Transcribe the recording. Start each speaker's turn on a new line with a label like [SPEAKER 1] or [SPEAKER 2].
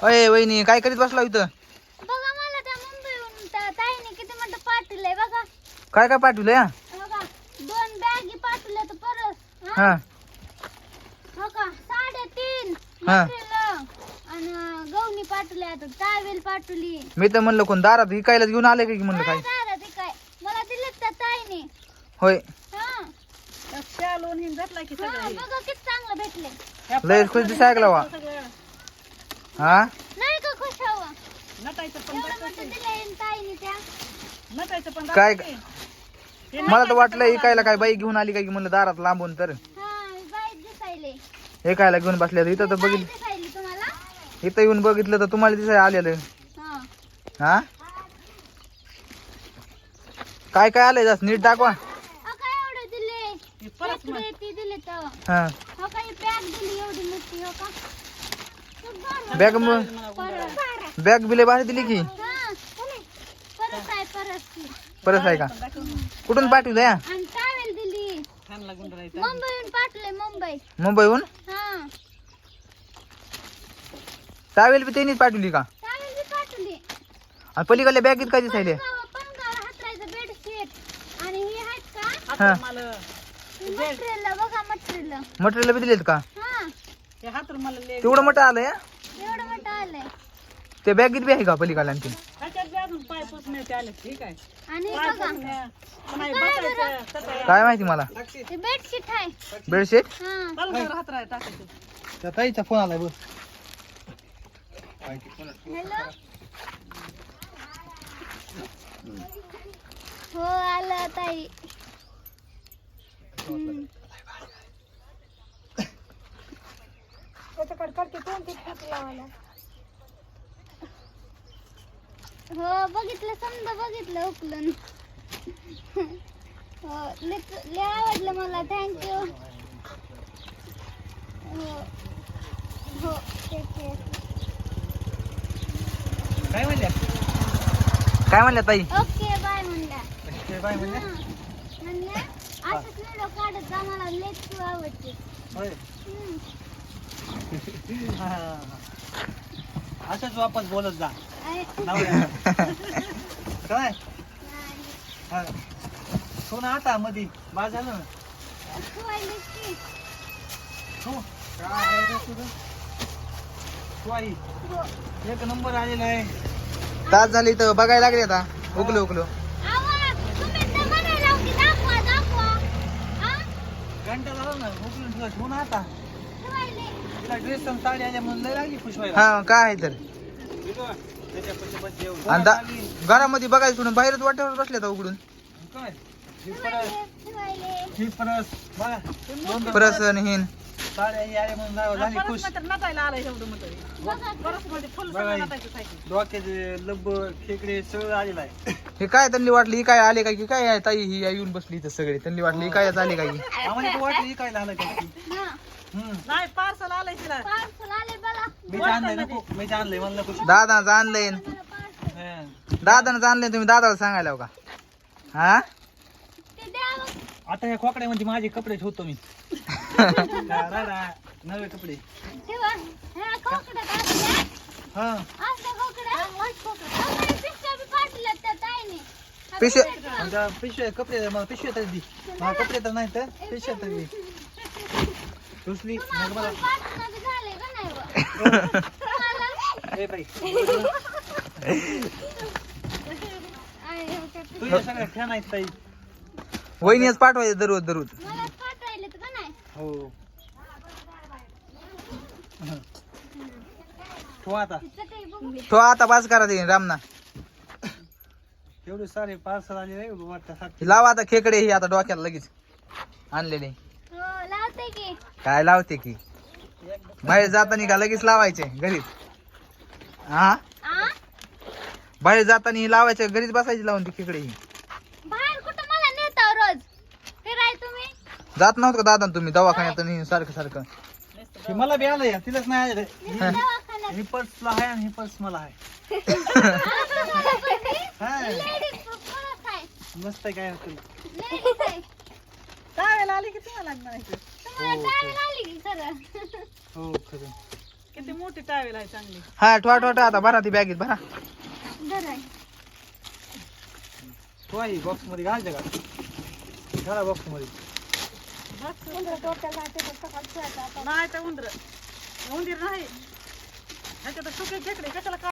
[SPEAKER 1] अय वहिनी काय करीत बसला इथं?
[SPEAKER 2] बघा मला त्या मुंबईहून त्या ताईने किती म्हणतं पाठवलंय बघा.
[SPEAKER 1] काय काय पाठवलंय?
[SPEAKER 2] बघा 2 बॅगी पाठवल्या तर परत
[SPEAKER 1] हा
[SPEAKER 2] हो का 3.5
[SPEAKER 1] हा.
[SPEAKER 2] आणि गवणी पाठवल्या आता टावेल पाठवली.
[SPEAKER 1] मी तर म्हणलं कोण दारात विकायला घेऊन आले की म्हणलं काय?
[SPEAKER 2] दादा ते काय मला दिलेत त्या ताईने.
[SPEAKER 1] होय
[SPEAKER 2] हा
[SPEAKER 3] शालून हिन घेतला की
[SPEAKER 2] हा,
[SPEAKER 3] सगळं
[SPEAKER 2] बघा किती चांगलं भेटले.
[SPEAKER 1] लय खुश दिसायला वा. हा
[SPEAKER 2] नाही का खुश हवा
[SPEAKER 3] नटायचं पण
[SPEAKER 2] एवढं मोठं दिलंय ताईने त्या.
[SPEAKER 3] नटायचं पण
[SPEAKER 1] काय मला तर वाटलं इकायला काय बाई घेऊन आली काय की म्हणलं दारात लांबून तर
[SPEAKER 2] हा बाईक दिसायले.
[SPEAKER 1] एकायला घेऊन बसल्या इथं तर
[SPEAKER 2] बाईक
[SPEAKER 1] बघितलं.
[SPEAKER 2] दिसायली तुम्हाला.
[SPEAKER 1] इथं येऊन बघितलं तर तुम्हाला दिसाय आलेलं.
[SPEAKER 2] हा
[SPEAKER 1] हा काय काय आलंय जास्त नीट दाखवा.
[SPEAKER 2] काय एवढं दिले
[SPEAKER 3] परत
[SPEAKER 2] इकडे ती दिले तर
[SPEAKER 1] हा
[SPEAKER 2] हो का ही बॅग दिली एवढी मोठी हो का.
[SPEAKER 1] बॅग
[SPEAKER 2] परत
[SPEAKER 1] बॅग बिले भारी दिली की.
[SPEAKER 2] हा परत आहे परत ती.
[SPEAKER 1] परत आहे का? कुठून पाठवलंय?
[SPEAKER 2] आणि टावेल दिली
[SPEAKER 3] छान लागून राहायचं.
[SPEAKER 2] मुंबईहून पाठवले मुंबई.
[SPEAKER 1] मुंबईहून
[SPEAKER 2] हा
[SPEAKER 1] टावेल बी त्यांनीच पाठवली का?
[SPEAKER 2] टावेल बी पाठवली.
[SPEAKER 1] आणि पलीकडल्या बॅगेत काय दिसायले?
[SPEAKER 2] पणगाव हातरायचं बेडशीट आणि हे आहेत का
[SPEAKER 3] आता मला
[SPEAKER 2] मटेरियल बघा मटेरियल.
[SPEAKER 1] मटेरियल बी दिलेत का?
[SPEAKER 2] हा
[SPEAKER 3] हे हात मला ले
[SPEAKER 1] तेवढं मोठं आलंय?
[SPEAKER 2] एवढं मोठं आलंय.
[SPEAKER 1] ते बॅगेत बी आहे का पलीकडल्या आणखी?
[SPEAKER 3] त्याच्यात बी अजून पाय पुसण्याचे आले ठीक आहे.
[SPEAKER 2] आणि
[SPEAKER 3] पाय
[SPEAKER 2] बघा
[SPEAKER 3] पुसण्या पुन्हा हे बसायचं तसं
[SPEAKER 1] काय माहिती मला.
[SPEAKER 2] ते बेडशीट आहे.
[SPEAKER 1] बेडशीट
[SPEAKER 2] हा
[SPEAKER 3] पलंगावर हात राहाय टाकायचं.
[SPEAKER 1] त्या ताईचा फोन आलाय बघ.
[SPEAKER 2] हॅलो हो आलं ताई. हो बघितलं समजा बघितलं उकलून. हो लय आवडलं मला थँक्यू. हो हो ठीक आहे.
[SPEAKER 1] काय म्हणल्या? काय म्हणल्या ताई?
[SPEAKER 2] ओके बाय म्हणल्या.
[SPEAKER 1] बाय म्हणल्या?
[SPEAKER 2] म्हणल्या असंच व्हिडिओ काढत जा मला लेट तू आवडते.
[SPEAKER 1] होय.
[SPEAKER 2] हम्म.
[SPEAKER 1] असंच वापस बोलत जा.
[SPEAKER 2] आहे.
[SPEAKER 1] काय?
[SPEAKER 2] नाही.
[SPEAKER 1] सोना आता मधी बाज झालं ना.
[SPEAKER 2] तू आलीस की.
[SPEAKER 1] हो. तू आई
[SPEAKER 2] हो.
[SPEAKER 1] एक नंबर आलेला आहे. तास झाली तर बघायला लागले आता. उकलो उकलो.
[SPEAKER 2] आवाज तुम्ही तर म्हणायला होती दाखवा दाखवा. हा?
[SPEAKER 1] घंटा झाला ना उकलून ठेवा. ठेवू ना आता.
[SPEAKER 2] ठेवायले.
[SPEAKER 1] तिला ड्रेस आणि साडी आल्या म्हणून लय लागली खुश व्हायला. हा काय आहे तर. आणि घरामध्ये बघायचं सोडून बाहेरच वाट्यावर बसले तर उघडून. काय?
[SPEAKER 2] ठेवायले.
[SPEAKER 1] परस आणि हिन साड्या ही आल्या म्हणून झाली खुश.
[SPEAKER 3] परत मात्र नटायला आलाय एवढं मोठं. परत मध्ये फुल सगळं नटायचं सायकल.
[SPEAKER 1] डोक्याचे लब्बर खेकडे सगळं आलेलं आहे. हे काय त्यांनी वाटली काय आले काय की काय आहे ताई ही येऊन बसली इथं सगळे त्यांनी वाटली काय आले काय आम्हाला वाटली काय आलं काय.
[SPEAKER 2] हा.
[SPEAKER 3] नाही पार्सल आलंय तिला.
[SPEAKER 2] पार्सल आले बघा.
[SPEAKER 1] मी आणलंय नको मी आणलंय म्हणलं खुश. दादानं आणलंय.
[SPEAKER 2] मला पार्सल.
[SPEAKER 1] दादानं आणलंय तुम्ही दादाला सांगायला हो का? हा
[SPEAKER 2] ते द्या मग.
[SPEAKER 1] आता ह्या खोकड्यामध्ये माझे कपडे ठेवतो मी. नवे कपडे.
[SPEAKER 2] ठेवा. हा खोकड्यात असल्या.
[SPEAKER 1] हा
[SPEAKER 2] असल्या खोकड्या. खोकड्या पिशव्या बी पाठवल्यात त्या ताईने.
[SPEAKER 1] पिशव्या पिशव्या कपडे मला पिशव्या तरी दी. मला कपडे तर नाही तर पिशव्या तरी दी. दुसरी मग मला
[SPEAKER 2] पाठवणं बी झालंय का नाही बा? तुम्हाला?
[SPEAKER 1] ए बाई
[SPEAKER 2] आहे, हो का?
[SPEAKER 1] तुझ्या सगळ्या फॅन आहेत ताई. वहिनीच पाठवायचं दररोज दररोज.
[SPEAKER 2] मला पाठवायलेत का नाही?
[SPEAKER 1] हो तो आता
[SPEAKER 2] तिचं काही बघू.
[SPEAKER 1] तो आता पास करा ते रामना. एवढे सारे पार्सल आले रे वाटतं. लावा आता खेकडे ही आता डोक्याला लगेच आणलेले.
[SPEAKER 2] हो लावते की.
[SPEAKER 1] काय लावते की बाहेर जाताना का लगेच लावायचे घरीच. हा
[SPEAKER 2] आ?
[SPEAKER 1] बाहेर जाताना ही लावायचे घरीच बसायची लावून ती खेकडे ही.
[SPEAKER 2] बाहेर कुठं मला नेता रोज फिराय तुम्ही?
[SPEAKER 1] जात नव्हतं का दादा तुम्ही दवाखान्यात आणि सारखं सारखं. मला बी आलं तिलाच नाही आलं.
[SPEAKER 2] दवाखान्यात.
[SPEAKER 1] ही पर्सला आहे आणि ही पर्स मला आहे.
[SPEAKER 2] लेडीज परत आहे.
[SPEAKER 1] मस्त काय होतं.
[SPEAKER 2] लेडीज आहे.
[SPEAKER 3] त्यावेळेला आली की तुम्हाला लागणार आहे.
[SPEAKER 2] तुम्हाला टाइम आली की खरं.
[SPEAKER 1] हो खरं
[SPEAKER 3] किती मोठी टावेल आहे चांगली.
[SPEAKER 1] हा ठोठा आता भरा ती बॅगेत भरा. बॉक्स मध्ये घालते का घाला बॉक्स मध्ये.
[SPEAKER 3] नाही तर उंदीर नाही ह्याच्यात सुके खेकडे कशाला